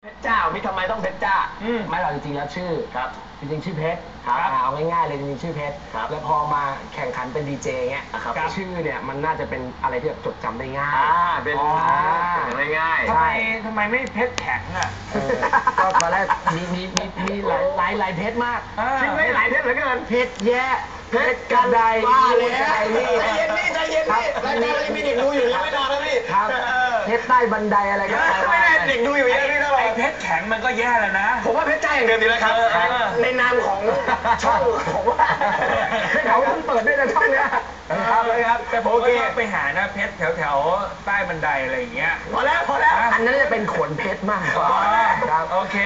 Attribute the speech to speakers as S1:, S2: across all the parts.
S1: ชรจ้ามีทำไมต้องเพชรจ้า
S2: ไม่หรอกจริงๆแล้วชื่อ
S1: ครับ
S2: จริงๆชื่อเพชร
S1: ครับ
S2: เอาง่ายๆเลยจริงๆชื่อเพชร
S1: ครับ
S2: แล้วพอมาแข่งขันเป็นดีเจเงี้ย
S1: ครับ
S2: ชื่อเนี่ยมันน่าจะเป็นอะไรที่แบบจดจำได้ง่าย
S1: เป็น
S2: อ๋อ
S1: ง่าย
S2: ใช่
S3: ทำไมไม่เพชรแข็งอ่ะ
S2: ก็ตอนแรกมีหลายเพชรมาก
S1: จริงไหมหลายเพชรเหลือเกิน
S2: เพชรแย่
S1: เพชรกัน
S2: ได
S1: บ้าเลย
S2: ใจนี่
S1: ใจเย็นนี่ใจเย็นนี่รายการเรายังมีเด็กดูอยู่ยังไม่นอนนะพี่
S2: ครับเพชรใต้บันไดอะไรก็
S1: ไม่ได้เด็กดูอยู่เยอะพี่ตลอด
S3: ไอ้เพชรแข็งมันก็แย่แล้วนะ
S1: ผมว่าเพชรจ้าอย่างเดิมดีแล้วครับ ในนามของช่องผมว่า
S2: เขาเพิ่งเปิดด้วยนะช่องเนี้ย
S3: ครับเลยครับ แต่ผมก็ชอบไปหานะเพชรแถวใต้บันไดอะไรอย่างเงี้ย
S1: พอแล้วพอแล้ว
S2: อันนั้นจะเป็นขนเพชรมากกว่า
S3: ครับโอเค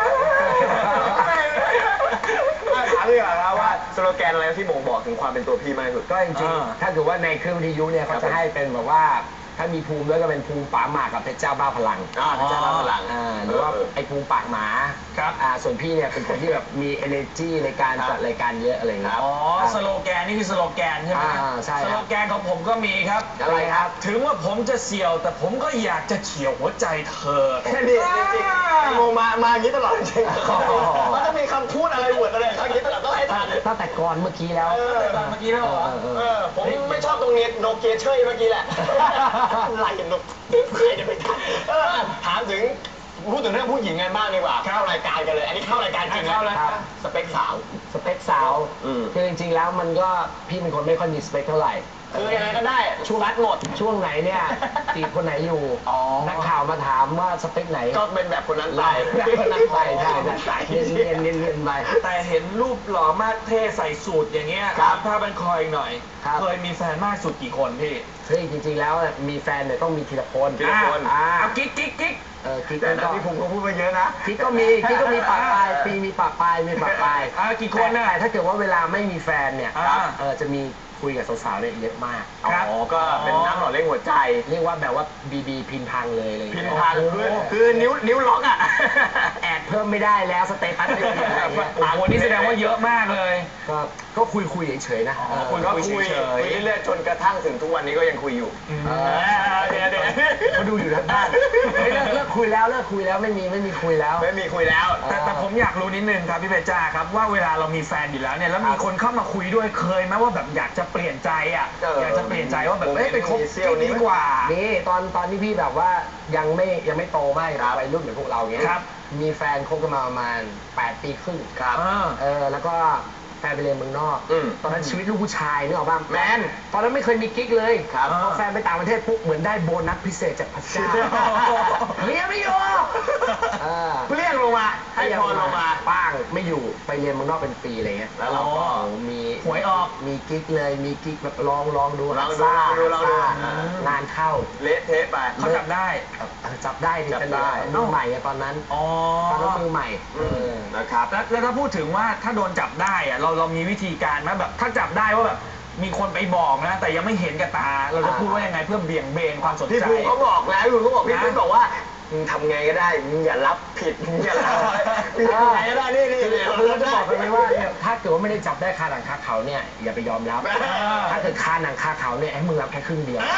S1: ถามเลยครับว่าสโลแกนอะไรที่บ่งบอกถึงความเป็นตัวพี่มากที่สุด
S2: ก็จริงๆถ้าเกิดว่าในเครื่องวิทยุเนี่ยเขาจะให้เป็นแบบว่าถ้ามีภูมิด้วยก็เป็นภูมิป๋าหมากกับเพชรเจ้าบ้าพลัง
S1: เพชรเจ้าบ้าพลัง
S2: หรือว่าไอ้ภูมิปากหมา
S3: ครับ
S2: ส่วนพี่เนี่ยเป็นคนที่แบบมี energy ในการจัดรายการเยอะอะไรอย่างเงี้ย
S3: อ๋อสโลแกนนี่คือสโลแกนใช่ไหม
S2: ใช่ครับ
S3: สโลแกนของผมก็มีครับ
S2: อะไรครับ
S3: ถึงว่าผมจะเสี่ยวแต่ผมก็อยากจะเฉี่ยวหัวใจเธอ
S1: แค่นี้จริงๆโมมาอย่างนี้ตลอดจริงๆมันต้องมีคำพูดอะไรบวดอะไรอย่างนี้ตลอดต้องให้ทัน
S2: ตั้งแต่ก่อนเมื่อกี้แล้ว
S3: เมื่อกี้แล้วเหรอ
S1: ผมไม่ชอบตรงนี้โนเกียเชยเมื่อกี้แหละไล่นกใครจะไปทันถามถึงพูดถึงเรื่องผู้หญิงกันบ้างดีกว่าเข้ารายการกันเลย อันนี้เข้ารายการจริง
S3: เข้าแล้ว
S1: ครับสเปคสาว
S2: สเปคสาวคือจริงๆแล้วมันก็พี่เป็นคนไม่ค่อยมีสเปคเท่าไหร่
S1: คือยังไงก็ได้ชูรัดหมด
S2: ช่วงไหนเนี่ยจีบคนไหนอยู่นักข่าวมาถามว่าสเปคไหน
S1: ก็เป็นแบบคนนั้นไป
S2: คนนั้นไปใช่เนียนไป
S3: แต่เห็นรูปหล่อมากเท่ใส่สูทอย่างเงี้ย
S1: ครับ
S3: ถ้าเป็นคอยหน่อย
S2: ครับ
S3: เคยมีแฟนมากสุดกี่คนพี่
S2: เฮ้ยจริงๆแล้วมีแฟนเนี่ยต้องมีทีละคน
S1: ทีละคน
S3: เอากิ๊กกิ๊กกิ๊ก
S2: กิ๊ก
S1: แต่
S2: ก็
S1: ที่ผมก็พูดไปเยอะนะ
S2: กิ๊กก็มีปากปลายปีมีปากปลายมีปากปลาย
S3: กี่คนน่ะ
S2: แต่ถ้าเกิดว่าเวลาไม่มีแฟนเนี่ย
S3: อ่า
S2: จะมีคุยกับสาวๆเนี่ยเยอะมาก
S3: ครับ
S1: อ๋อ ก็เป็นน้ำหล่อเลี้ยงหัวใจ
S2: เรียกว่าแบบว่าบีพินพังเลยอะไรอย่าง
S1: พิ
S2: เงี้
S1: น
S2: ย
S1: พังคือนิ้วล็อกอ่ะ
S2: แอดเพิ่มไม่ได้แล้วสเตตัสไม่มีอะไรเงี้ย
S3: โอ้โหนี่แสดงว่าเยอะมากเลย
S2: ก็คุยเฉยๆนะ
S1: คุยก็คุยเรื่อยๆจนกระทั่งถึงทุกวันนี้ก็ยังคุยอยู่ เดี๋ยว
S2: เขาดูอยู่ทางบ้านเลิกคุยแล้วไม่มีคุยแล้ว
S1: ไม่มีคุยแล้ว
S3: แต่ผมอยากรู้นิดนึงครับพี่เพชรจ้าครับว่าเวลาเรามีแฟนอยู่แล้วเนี่ยแล้วมีคนเข้ามาคุยด้วยเคยไหมว่าแบบอยากจะเปลี่ยนใจอ่ะอยากจะเปลี่ยนใจว่าแบบไปคบกิ๊กดีกว่า
S2: นี่ตอนที่พี่แบบว่ายังไม่โตมากวัยรุ่นเหมือนพวกเราเงี้ย
S3: ครับ
S2: มีแฟนคบกันมาประมาณ8 ปีครึ่ง
S1: ครับ
S2: แล้วก็แฟนไปเรียนเมืองนอก
S1: อืม
S2: ตอนนั้นชีวิตลูกผู้ชายนึกออกป่ะ
S1: แมน
S2: ตอนนั้นไม่เคยมีกิ๊กเลย
S1: ครับ
S2: พอแฟนไปต่างประเทศปุ๊บเหมือนได้โบนัสพิเศษจากพระเจ้าเรียนไม่อยู่
S1: เปรี้ยงลงมาให้พรลงมา
S2: ป้างไม่อยู่ไปเรียนเมืองนอกเป็นปีอะไรเงี้ยแล้วเราก็มี
S3: หวยออก
S2: มีกิ๊กเลยมีกิ๊กแบบลองดู
S1: ลองดู
S2: ซ่า
S1: ลองดู
S2: งานเข้า
S1: เละเทะไป
S3: เขาจับได้
S2: จับได้ดิ
S1: จับ
S2: เป็น
S1: ได้
S2: มือใหม่อะตอนนั้น
S3: อ๋อ
S2: ตอนนั้นมือใหม่
S1: นะครับ
S3: แล้วถ้าพูดถึงว่าถ้าโดนจับได้อะเรามีวิธีการไหมแบบถ้าจับได้ว่าแบบมีคนไปบอกนะแต่ยังไม่เห็นกับตาเราจะพูดว่ายังไงเพื่อเบี่ยงเบนความสน
S1: พี่
S3: ใจ
S1: ภูเขาบอกแล้วพี่ภูเขาบอกพี่ภูบอกว่ามึงทำไงก็ได้มึงอย่ารับผิดมึงอย่ารับมึงทำไงก็ได้นี่
S2: เราจะบอกไปไหมว่าเนี่ยถ้าเกิดว่าไม่ได้จับได้คาหนังคาเขาเนี่ยอย่าไปยอมรับถ้าเกิดคาหนังคาเขาเนี่ยให้มึงรับแค่ครึ่งเดียว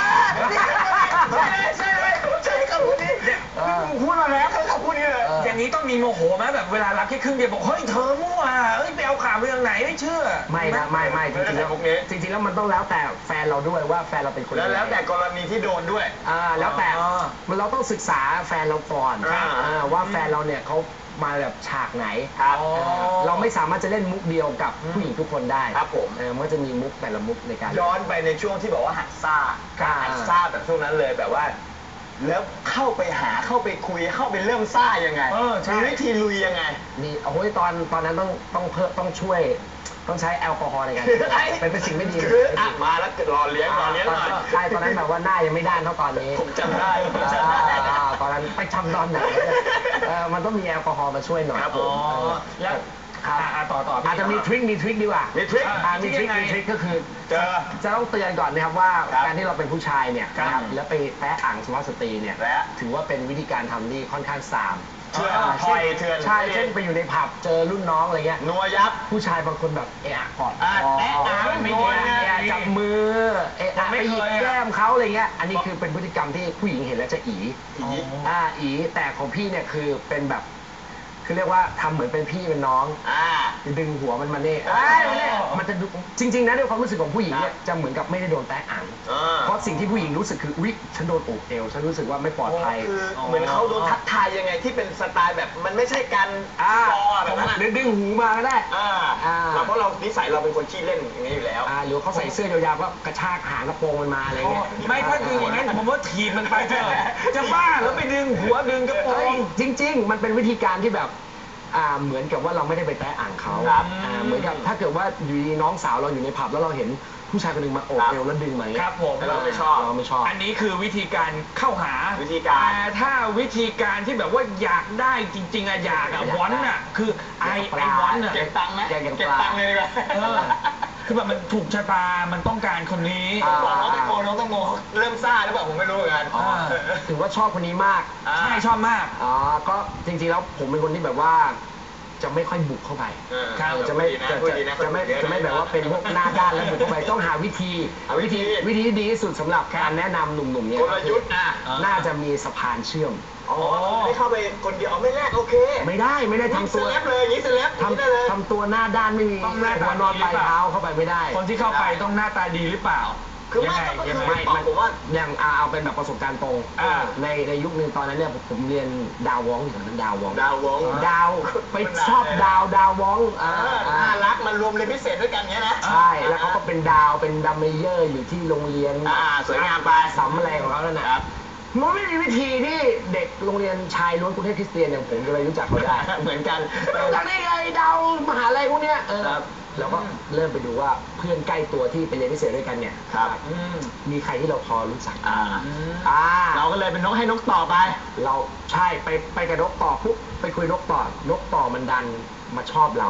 S1: ใช่คำพูดนี้มึงพูดมาแล้วคำพูดนี้เลย
S3: อย่างนี้ต้องมีโมโหไหมแบบเวลารับแค่ครึ่งเดียวบอกเฮ้ยเธอมั่วเอ้ยไปเอาข่าวเรื่องไหนไม่เชื่อ
S2: ไม่นะไม่จริงๆแล้ว
S1: พวกนี้
S2: จริงๆแล้วมันต้องแล้วแต่แฟนเราด้วยว่าแฟนเราเป็นคน
S1: แล้วแต่กรณีที่โดนด้วย
S2: แล้วแต่มันเราต้องศึกษาแฟนเราก่อนว่าแฟนเราเนี่ยเขามาแบบฉากไหน
S1: ครับ
S2: เราไม่สามารถจะเล่นมุกเดียวกับผู้หญิงทุกคนได้
S1: ครับผม
S2: มันก็จะมีมุกแต่ละมุกในการ
S1: ย้อนไปในช่วงที่บอกว่าหัดซ่าหัดซ่าแบบช่วงนั้นเลยแบบว่า แล้วเข้าไปหาเข้าไปคุยเข้าไปเริ่มซ่ายังไงมีวิธีลุยยังไง
S2: นี่โอ้ยตอนนั้นต้องช่วยต้องใช้แอลกอฮอล์ในการเป็นสิ่งไม่ดี
S1: คือมาแล้วรอเลี้ยงหน่อย
S2: ใช่ตอนนั้นแบบว่าหน้ายังไม่ด้านเท่าตอนนี้
S1: ผมจำได้
S2: ตอนนั้นไปทำตอนไหนมันต้องมีแอลกอฮอล์มาช่วยหน่อย
S1: ครับผม
S3: แล้ว
S2: ครับ
S3: ต่อ
S2: อาจจะมีทริคดีกว่า
S1: มีทริค
S2: มีทริคก็คือ
S1: เจอ
S2: จะต้องเตือนก่อนนะครับว่า
S1: ครับ
S2: การที่เราเป็นผู้ชายเนี่ย
S1: ครับ
S2: นะครับแล้วไปแตะอ่างสุภาพสตรีเนี่ย
S1: และ
S2: ถือว่าเป็นวิธีการทำที่ค่อนข้างสาม
S1: เถื่อนถอยเถื่อน
S2: ใช่เช่นไปอยู่ในผับเจอรุ่นน้องอะไรเงี้ย
S1: นัวยับ
S2: ผู้ชายบางคนแบบเอะอะกอด
S1: แตะอ่าง
S2: ไม่
S1: โด
S2: ดี
S1: นไง
S2: เอะอะจับมือเอะอะไปหยิบแก้มเขาอะไรเงี้ยอันนี้คือเป็นพฤติกรรมที่ผู้หญิงเห็นแล้วจะอีแต่ของพี่เนี่ยคือเป็นแบบคือเรียกว่าทำเหมือนเป็นพี่เป็นน้อง ดึงหัวมันมาเนี่ยมันจะดูจริงๆนะด้วยความรู้สึกของผู้หญิงเนี่ยจะเหมือนกับไม่ได้โดนแตะอ่างเพราะสิ่งที่ผู้หญิงรู้สึกคืออุ๊ยฉันโดนโอบเอวฉันรู้สึกว่าไม่ปลอดภัย
S1: คือเหมือนเขาโดนทักทายยังไงที่เป็นสไตล์แบบมันไม่ใช่การฟอแบบนั้น
S2: หรือดึงหูมาก็ได้
S1: เราเพราะเรานิสัยเราเป็นคนขี้เล่นอย่างนี้อยู่แล้ว
S2: หรือเขาใส่เสื้อยาวๆก็กระชากหางกระโปรงมันมาอะไรเงี้ย
S3: ไม่ถ้าดึงอย่างนั้นผมว่าถีบมันไปเถอะจะบ้าแล้วไปดึงหัวดึงกระโปรง
S2: จริง ๆ มันเป็นวิธีการที่แบบเหมือนกับว่าเราไม่ได้ไปแตะอ่างเขาเหมือนกับถ้าเกิดว่าอยู่ดีน้องสาวเราอยู่ในผับแล้วเราเห็นผู้ชายคนหนึ่งมาโอบเอวแล้วดึงมาอย่างเงี้
S3: ค
S2: ย
S3: รับผม
S1: เราไม่ชอบ
S2: เราไม่ชอบ
S3: อันนี้คือวิธีการเข้าหา
S1: วิธีการ
S3: แต่ถ้าวิธีการที่แบบว่าอยากได้จริงๆอะอยากอะวอนอะคือไอวอนอะ
S1: เก็บตังค์ไหม
S2: แกงอย่างปลา
S1: เก็บตังค์เลยดีกว่า
S3: คือแบบมันถูกชะตา มันต้องการคนนี้
S1: บอกน้องตังโมเขาเริ่มซ่าหรือเปล่าผมไม่รู้เหมือนกัน
S2: ถือว่าชอบคนนี้มาก
S3: ใช่ชอบมาก
S2: ก็จริงๆแล้วผมเป็นคนที่แบบว่าจะไม่ค่อยบุกเข้าไป
S3: ครับ
S2: จะไม่แบบว่าเป็นพวกหน้าด้านแล้วบุกเข้าไปต้องหาวิธีที่ดีที่สุดสำหรับการแนะนำหนุ่มๆเนี่ย
S1: กลยุทธ์
S2: น่าจะมีสะพานเชื่อม
S1: ไม่เข้าไปคนเดียวไม่แรกโอเค
S2: ไม่ได้ทำตัว
S1: เซเลบเลยอย่างนี้เซเลบได้เลย
S2: ทำตัวหน้าด้านไม่มี
S3: ต้องหน้า
S2: หั
S3: ตา
S2: วนอน
S3: ดี
S2: ปลายเท้าเข้าไปไม่ได้
S3: คนที่เข้าไปต้องหน้าตาดีหรือเปล่า
S1: คือไม่
S3: ยังไง
S1: ไม่ผมว่า
S2: อย่างเอาเป็นแบบประสบการณ์ตรง ในยุคนึงตอนนั้นเนี่ยผมเรียนดาวว้องอยู่ตอนนั้นดาวว้อง
S1: ดาววง
S2: ดาวไปชอบดาวว้อง
S1: น่ารักมันรวมเรียนพิเศษด้วยกันเนี้ยนะ
S2: ใช่แล้วเขาก็เป็นดาวเป็นดัมเมเยอร์อยู่ที่โรงเรียน
S1: สวยงามไป
S2: สำอะไรของเขานั่นนะมันไม่มีวิธีที่เด็กโรงเรียนชายล้วนกรุงเทพคริสเตียนอย่างผมจะไปรู้จักเขาได้
S1: เหมือนกัน
S2: รู้จักได้ไงดาวมหาลัยพวกเนี้ยแล้วก็เริ่มไปดูว่าเพื่อนใกล้ตัวที่ไปเรียนพิเศษด้วยกันเนี่ยมีใครที่เราพอรู้จัก
S1: เราก็เลยเป็นนกให้นกต่อไป
S2: เราใช่ไปกับนกต่อปุ๊บไปคุยนกต่อมันดันมาชอบเรา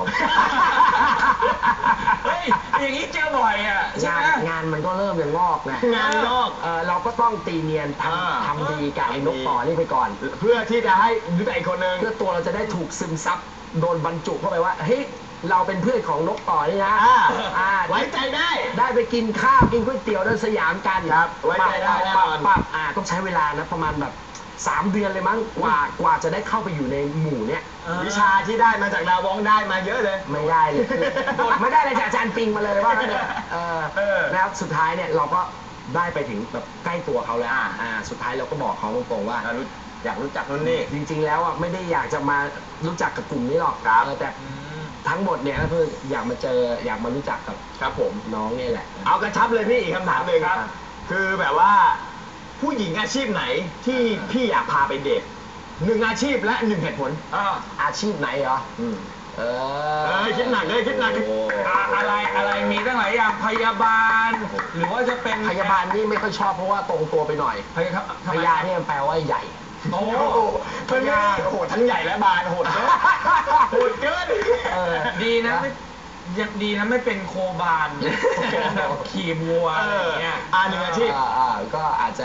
S3: เฮ้ยอย่างนี้เจอบ่อยอ่ะใช่ไหม
S2: งานมันก็เริ่มจะงอกไง
S1: งานงอก
S2: เราก็ต้องตีเนียนทำดีกับไอ้นกต่อนี่ไปก่อน
S1: เพื่อที่จะให้รู้จักอีกคนนึง
S2: เพื่อตัวเราจะได้ถูกซึมซับโดนบรรจุเข้าไปว่าเฮ้ยเราเป็นเพื่อนของนกต่อนี่นะ
S1: ไว้ใจได้
S2: ได้ไปกินข้าวกินก๋วยเตี๋ยวในสยามกัน
S1: ครับไว้ใจได้แน่นอน
S2: ต้องใช้เวลานะประมาณแบบ3 เดือนเลยมั้งกว่าจะได้เข้าไปอยู่ในหมู่เนี้ย
S1: วิชาที่ได้มาจากดาววองได้มาเยอะเลย
S2: ไม่ได้เลยไม่ได้เลยจากอาจารย์ปิงมาเลยว่างั้นเถอะนะครับสุดท้ายเนี่ยเราก็ได้ไปถึงแบบใกล้ตัวเขาแล้วสุดท้ายเราก็บอกเขาตรงๆว่า
S1: อยากรู้จักนู่นนี่
S2: จริงๆแล้วไม่ได้อยากจะมารู้จักกับกลุ่มนี้หรอกแต่ทั้งหมดเนี่ยก็คืออยากมาเจออยากมารู้จักกับ
S1: ครับผม
S2: น้องนี่แหละ
S1: เอากระชับเลยพี่อีกคำถามหนึ่งคือแบบว่าผู้หญิงอาชีพไหนที่พี่อยากพาไปเดท1 อาชีพและ1 เหตุผล
S2: อาชีพไหนเหรอ
S1: คิดหนักเลยคิดหนัก
S3: อะไรมีตั้งหลายอย่างพยาบาล หรือว่าจะเป็น
S2: พยาบาลนี่ไม่ค่อยชอบเพราะว่าตรงตัวไปหน่อยพยาเนี่ยมันแปลว่าใหญ่
S1: โอ้โหมันไม่โหทั้งใหญ่และบานโหดเกินโหดเกิน
S3: ดีนะไม่เป็นโคบานเป็นแบบขี่วัวอะไรเงี้ย
S1: 1 อาชีพ
S2: ก็อาจจะ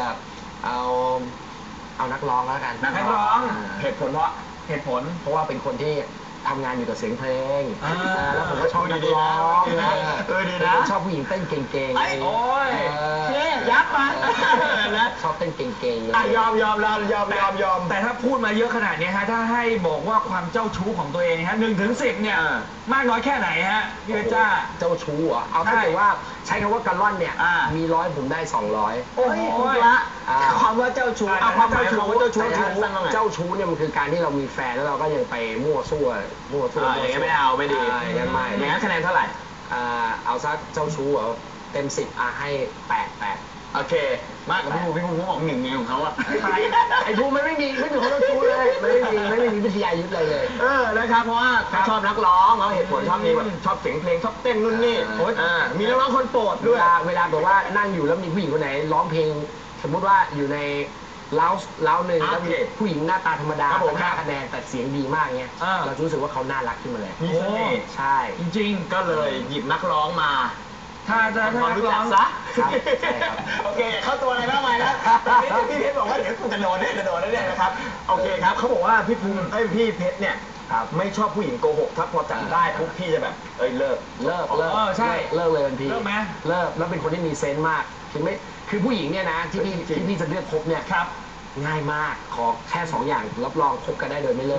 S2: เอานักร้องแล้วกัน
S3: นักร้อง
S1: เหตุผล
S2: เพราะว่าเป็นคนที่ทำงานอยู่กับเสียงเพลงแล้วผมก็ชอบนักร้อง
S1: ดีนะ
S2: ชอบผู้หญิงเต้นเก่งๆ
S3: โอ้ย
S1: ยับมา
S2: ชอบเต้นเก่ง
S1: ๆยอม
S3: แต่ถ้าพูดมาเยอะขนาดนี้ฮะถ้าให้บอกว่าความเจ้าชู้ของตัวเองฮะ1 ถึง 10เนี่ยมากน้อยแค่ไหนฮะพี่เบจ้า
S2: เจ้าชู้อ่ะเอาถ้าเกิดว่าใช้คำว่ากะล่อนเนี่ยมี100ผมได้200
S1: โอ้ยละความว่าเจ้าชู้ความเจ้าชู้
S2: เจ้าชู้เนี่ยมันคือการที่เรามีแฟนแล้วเราก็ยังไปมั่วซั่ว
S1: อย่างนี้ไม่เอาไม่ดี
S2: อย่าง
S1: นั้นคะแนนเท่าไหร่
S2: เอาซะเจ้าชู้เต็ม10ให้8
S1: โอเคมากกับพี่ภูบอก1ของเขาอะ
S2: ไอ้ภูมันไม่มีคนเจ้าชู้เลยไม่มีวิทยายุทธ์เลย
S1: นะครับเพราะว่าเขาชอบนักร้องเขาเหตุผลชอบมีแบบชอบเสียงเพลงชอบเต้นนู่นนี่มีนักร้องคนโปรดด้วย
S2: เวลาแบบว่านั่งอยู่แล้วมีผู้หญิงคนไหนร้องเพลงสมมุติว่าอยู่ในเล้าหนึ่งแล้วมี
S1: โอเค
S2: ผู้หญิงหน้าตาธรรมดา
S1: ครับผม
S2: 5 คะแนนแต่เสียงดีมากเงี้ยเราจะรู้สึกว่าเขาน่ารักขึ้นมาเลย
S1: มีเสน่ห์
S2: ใช่
S3: จริง
S1: ก็เลยหยิบนักร้องมา
S3: ๆ ถ้าจะ
S1: ทำความรู้จักซะ
S2: ครับใช่ครับ
S1: โอเคอย่าเข้าตัวอะไรมากมายนะตอนนี้พี่เพชรบอกว่าเดี๋ยวคุณจะโดนเนี่ยนะครับโอเคครับเขาบอกว่าพี่ภูมิพี่เพชรเนี่ย
S2: ครับ
S1: ไม่ชอบผู้หญิงโกหกถ้าพอจับได้ปุ๊บพี่จะแบบเลิก
S2: เลิก
S3: ใช่
S2: เลิกเลยทันที
S3: เลิกไหม
S2: เลิกแล้วเป็นคนที่มีเซนส์มากคือผู้หญิงเนี่ยนะที่พี่จะเลือกคบเนี่ย
S3: ครับ
S2: ง่ายมากขอแค่2 อย่างรับรองคบกันได้โดยไม่เลิก